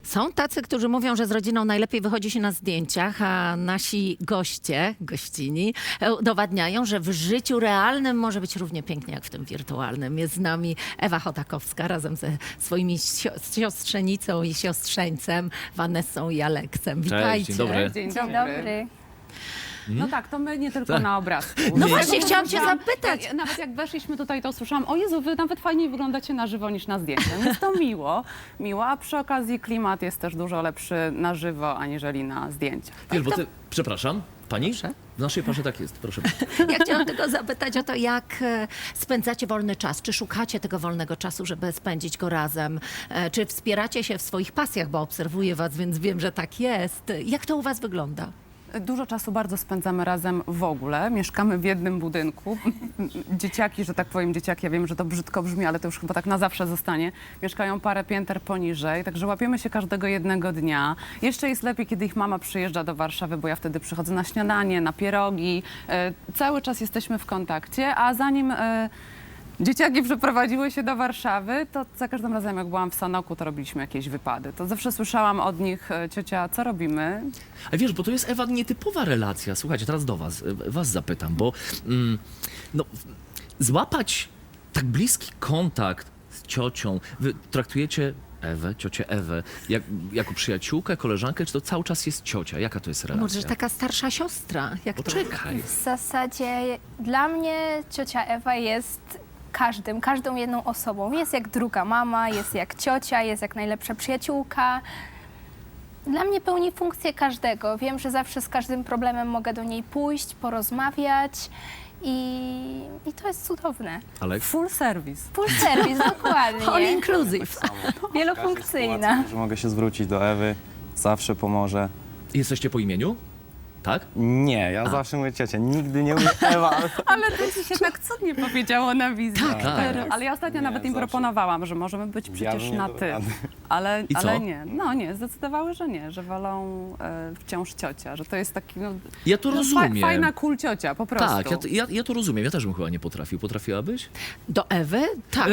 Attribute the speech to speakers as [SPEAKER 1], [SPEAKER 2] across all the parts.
[SPEAKER 1] Są tacy, którzy mówią, że z rodziną najlepiej wychodzi się na zdjęciach, a nasi goście, gościni, udowadniają, że w życiu realnym może być równie pięknie jak w tym wirtualnym. Jest z nami Ewa Chodakowska razem ze swoimi siostrzenicą i siostrzeńcem, Vanessą i Aleksem. Witajcie.
[SPEAKER 2] Dzień dobry.
[SPEAKER 3] Dzień
[SPEAKER 4] Dzień dobry.
[SPEAKER 3] No tak, to my nie tylko
[SPEAKER 2] Tak.
[SPEAKER 3] na obrazku.
[SPEAKER 1] No
[SPEAKER 3] Nie.
[SPEAKER 1] właśnie, chciałam cię
[SPEAKER 3] Słyszałam-
[SPEAKER 1] zapytać.
[SPEAKER 3] Nawet jak weszliśmy tutaj, to słyszałam, o Jezu, wy nawet fajniej wyglądacie na żywo niż na zdjęciu. Jest to miło, a przy okazji klimat jest też dużo lepszy na żywo, aniżeli na zdjęciach.
[SPEAKER 2] Wiesz, bo ty, przepraszam, pani?
[SPEAKER 1] Proszę.
[SPEAKER 2] W naszej parze tak jest, proszę.
[SPEAKER 1] Ja chciałam tylko zapytać o to, jak spędzacie wolny czas. Czy szukacie tego wolnego czasu, żeby spędzić go razem? Czy wspieracie się w swoich pasjach, bo obserwuję was, więc wiem, że tak jest. Jak to u was wygląda?
[SPEAKER 3] Dużo czasu bardzo spędzamy razem w ogóle. Mieszkamy w jednym budynku. Dzieciaki, że tak powiem, dzieciaki, ja wiem, że to brzydko brzmi, ale to już chyba tak na zawsze zostanie. Mieszkają parę pięter poniżej, także łapiemy się każdego jednego dnia. Jeszcze jest lepiej, kiedy ich mama przyjeżdża do Warszawy, bo ja wtedy przychodzę na śniadanie, na pierogi. Cały czas jesteśmy w kontakcie, a zanim dzieciaki przeprowadziły się do Warszawy, to za każdym razem, jak byłam w Sanoku, to robiliśmy jakieś wypady. To zawsze słyszałam od nich, ciocia, co robimy?
[SPEAKER 2] A wiesz, bo to jest, Ewa, nietypowa relacja. Słuchajcie, teraz do was zapytam, bo no, złapać tak bliski kontakt z ciocią, wy traktujecie Ewę, ciocię Ewę, jako przyjaciółkę, koleżankę, czy to cały czas jest ciocia? Jaka to jest relacja?
[SPEAKER 1] Może taka starsza siostra? Jak to?
[SPEAKER 2] Poczekaj.
[SPEAKER 4] W zasadzie dla mnie ciocia Ewa jest każdą jedną osobą. Jest jak druga mama, jest jak ciocia, jest jak najlepsza przyjaciółka. Dla mnie pełni funkcję każdego. Wiem, że zawsze z każdym problemem mogę do niej pójść, porozmawiać i to jest cudowne.
[SPEAKER 2] Aleks?
[SPEAKER 3] Full service.
[SPEAKER 4] Full service,
[SPEAKER 1] All
[SPEAKER 4] dokładnie.
[SPEAKER 1] inclusive.
[SPEAKER 4] Wielofunkcyjna.
[SPEAKER 5] Że mogę się zwrócić do Ewy, zawsze pomoże.
[SPEAKER 2] Jesteście po imieniu? Tak?
[SPEAKER 5] Nie, ja zawsze mówię ciocia, nigdy nie mówię Ewa.
[SPEAKER 3] Ale to ci się tak cudnie powiedziało na wizji.
[SPEAKER 2] Tak.
[SPEAKER 3] Ale ja ostatnio
[SPEAKER 5] Nie,
[SPEAKER 3] nawet im
[SPEAKER 5] zawsze.
[SPEAKER 3] proponowałam, że możemy być przecież
[SPEAKER 5] bym nie
[SPEAKER 3] na
[SPEAKER 5] dał
[SPEAKER 3] ty.
[SPEAKER 5] rady.
[SPEAKER 3] Ale,
[SPEAKER 2] I co?
[SPEAKER 3] ale nie. No nie, zdecydowały, że nie, że wolą wciąż ciocia, że to jest taki
[SPEAKER 2] Ja to rozumiem.
[SPEAKER 3] fajna cool ciocia, po prostu.
[SPEAKER 2] Tak, ja to rozumiem. Ja też bym chyba nie potrafił. Potrafiłabyś?
[SPEAKER 1] Do Ewy? Tak.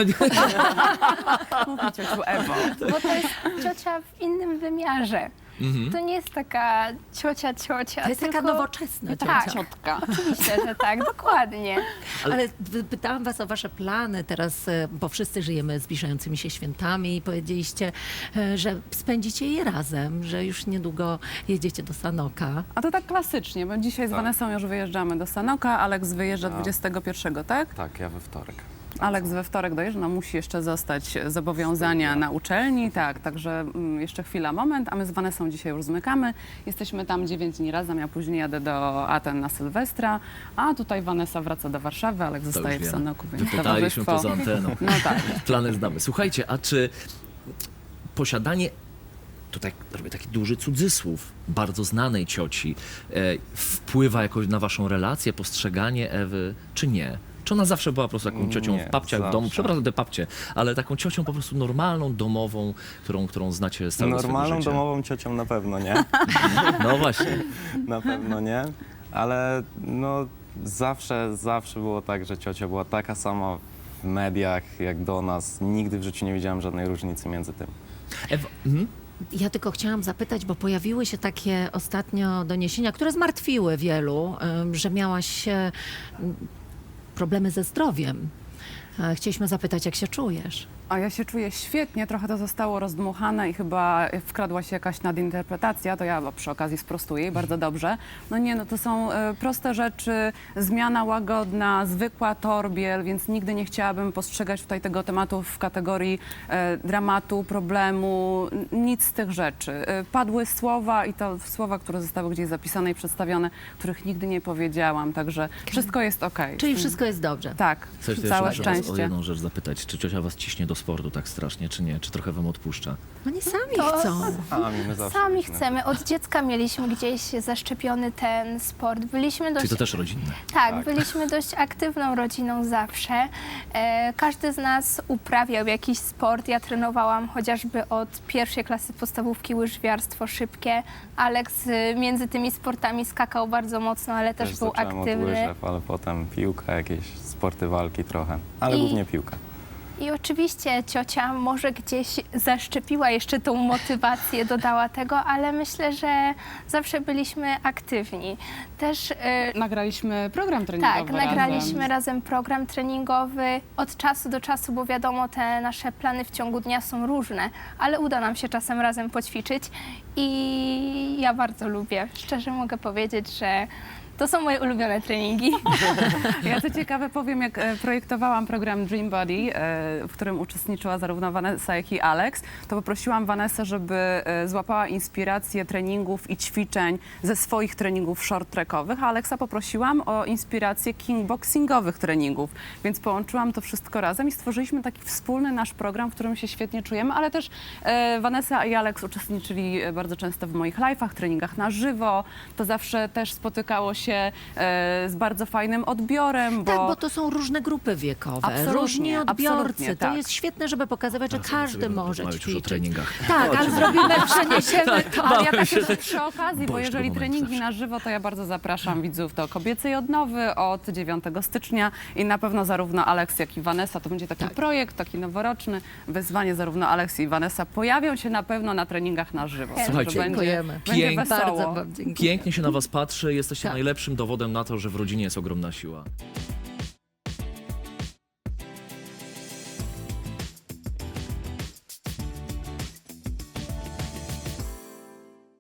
[SPEAKER 3] Mówi ciociu Ewo.
[SPEAKER 4] Bo to jest ciocia w innym wymiarze. To nie jest taka ciocia,
[SPEAKER 1] To jest taka
[SPEAKER 4] tylko-
[SPEAKER 1] nowoczesna
[SPEAKER 4] Tak.
[SPEAKER 1] ciocia.
[SPEAKER 3] Ciotka.
[SPEAKER 4] Oczywiście, że tak, dokładnie.
[SPEAKER 1] Ale pytałam was o wasze plany teraz, bo wszyscy żyjemy zbliżającymi się świętami i powiedzieliście, że spędzicie je razem, że już niedługo jedziecie do Sanoka.
[SPEAKER 3] A to tak klasycznie, bo dzisiaj z Vanessą już wyjeżdżamy do Sanoka, Aleks wyjeżdża 21, tak?
[SPEAKER 5] Tak, ja we wtorek.
[SPEAKER 3] Aleks we wtorek dojeżdża, no musi jeszcze zostać zobowiązania na uczelni, tak, także jeszcze chwila, moment, a my z Vanessą dzisiaj już zmykamy. Jesteśmy tam 9 dni razem, ja później jadę do Aten na Sylwestra, a tutaj Vanessa wraca do Warszawy, Aleks
[SPEAKER 2] To
[SPEAKER 3] zostaje
[SPEAKER 2] już
[SPEAKER 3] w
[SPEAKER 2] wiem.
[SPEAKER 3] Sanoku, więc
[SPEAKER 2] Wypytaliśmy
[SPEAKER 3] towarzystwo.
[SPEAKER 2] poza anteną.
[SPEAKER 3] No tak.
[SPEAKER 2] Plany znamy. Słuchajcie, a czy posiadanie, tutaj robię taki duży cudzysłów, bardzo znanej cioci, wpływa jakoś na waszą relację, postrzeganie Ewy, czy nie? Czy ona zawsze była po prostu taką ciocią
[SPEAKER 5] Nie,
[SPEAKER 2] w babciach w domu?
[SPEAKER 5] zawsze.
[SPEAKER 2] Przepraszam te babcie, ale taką ciocią po prostu normalną, domową, którą znacie z całego
[SPEAKER 5] Normalną
[SPEAKER 2] swojego życia.
[SPEAKER 5] domową ciocią na pewno nie,
[SPEAKER 2] No właśnie.
[SPEAKER 5] na pewno nie, ale no zawsze było tak, że ciocia była taka sama w mediach jak do nas. Nigdy w życiu nie widziałem żadnej różnicy między tym.
[SPEAKER 2] Ewa,
[SPEAKER 1] Ja tylko chciałam zapytać, bo pojawiły się takie ostatnio doniesienia, które zmartwiły wielu, że miałaś problemy ze zdrowiem. Chcieliśmy zapytać, jak się czujesz?
[SPEAKER 3] A ja się czuję świetnie, trochę to zostało rozdmuchane i chyba wkradła się jakaś nadinterpretacja, to ja przy okazji sprostuję i bardzo dobrze. No nie, no to są proste rzeczy, zmiana łagodna, zwykła torbiel, więc nigdy nie chciałabym postrzegać tutaj tego tematu w kategorii dramatu, problemu, nic z tych rzeczy. Padły słowa i to słowa, które zostały gdzieś zapisane i przedstawione, których nigdy nie powiedziałam, także wszystko jest okej.
[SPEAKER 1] Czyli wszystko jest dobrze.
[SPEAKER 3] Tak,
[SPEAKER 2] chcesz
[SPEAKER 3] całe
[SPEAKER 2] jeszcze was o
[SPEAKER 3] szczęście.
[SPEAKER 2] jedną rzecz zapytać. Czy ciocia was ciśnie do sportu tak strasznie, czy nie? Czy trochę wam odpuszcza?
[SPEAKER 1] Oni sami
[SPEAKER 4] To-
[SPEAKER 1] chcą.
[SPEAKER 5] My zawsze
[SPEAKER 4] Sami
[SPEAKER 5] byliśmy.
[SPEAKER 4] chcemy. Od dziecka mieliśmy gdzieś zaszczepiony ten sport. Byliśmy dość
[SPEAKER 2] Czyli to też rodzinne.
[SPEAKER 4] Tak, byliśmy dość aktywną rodziną zawsze. Każdy z nas uprawiał jakiś sport. Ja trenowałam chociażby od pierwszej klasy podstawówki łyżwiarstwo szybkie. Aleks między tymi sportami skakał bardzo mocno, ale też był
[SPEAKER 5] zacząłem od
[SPEAKER 4] aktywny.
[SPEAKER 5] łyżew, ale potem piłka, jakieś sporty walki trochę, ale
[SPEAKER 4] I-
[SPEAKER 5] głównie piłka.
[SPEAKER 4] I oczywiście ciocia może gdzieś zaszczepiła jeszcze tą motywację, dodała tego, ale myślę, że zawsze byliśmy aktywni. Też
[SPEAKER 3] Nagraliśmy program treningowy
[SPEAKER 4] tak, nagraliśmy razem program treningowy od czasu do czasu, bo wiadomo, te nasze plany w ciągu dnia są różne, ale uda nam się czasem razem poćwiczyć i ja bardzo lubię. Szczerze mogę powiedzieć, że to są moje ulubione treningi.
[SPEAKER 3] Ja co ciekawe powiem, jak projektowałam program Dream Body, w którym uczestniczyła zarówno Vanessa, jak i Alex, to poprosiłam Vanessę, żeby złapała inspirację treningów i ćwiczeń ze swoich treningów short trackowych, a Alexa poprosiłam o inspirację kickboxingowych treningów, więc połączyłam to wszystko razem i stworzyliśmy taki wspólny nasz program, w którym się świetnie czujemy, ale też Vanessa i Alex uczestniczyli bardzo często w moich live'ach, treningach na żywo. To zawsze też spotykało się z bardzo fajnym odbiorem,
[SPEAKER 1] Tak, bo to są różne grupy wiekowe,
[SPEAKER 3] Absolutnie,
[SPEAKER 1] różni odbiorcy.
[SPEAKER 3] absolutnie,
[SPEAKER 1] To
[SPEAKER 3] tak.
[SPEAKER 1] jest świetne, żeby pokazywać, że
[SPEAKER 2] Teraz
[SPEAKER 1] każdy
[SPEAKER 2] sobie
[SPEAKER 1] może
[SPEAKER 2] porozmawiać już o
[SPEAKER 1] ćwiczyć.
[SPEAKER 2] treningach.
[SPEAKER 1] Tak, ale zrobimy, przeniesiemy to.
[SPEAKER 3] Ale ja
[SPEAKER 2] Bałem
[SPEAKER 3] tak
[SPEAKER 2] się,
[SPEAKER 3] też przy okazji, bo
[SPEAKER 2] boisz
[SPEAKER 3] jeżeli
[SPEAKER 2] tego momentu
[SPEAKER 3] treningi
[SPEAKER 2] zawsze.
[SPEAKER 3] na żywo, to ja bardzo zapraszam widzów do Kobiecej Odnowy od 9 stycznia i na pewno zarówno Alex, jak i Vanessa, to będzie taki projekt, taki noworoczny, wyzwanie, zarówno Alex i Vanessa pojawią się na pewno na treningach na żywo.
[SPEAKER 2] Słuchajcie,
[SPEAKER 3] Także
[SPEAKER 1] dziękujemy.
[SPEAKER 3] Będzie
[SPEAKER 2] Pięknie.
[SPEAKER 3] wesoło.
[SPEAKER 1] Bardzo wam dziękuję.
[SPEAKER 2] Pięknie się na was patrzy, jesteście
[SPEAKER 1] Tak.
[SPEAKER 2] najlepszym dowodem na to, że w rodzinie jest ogromna siła.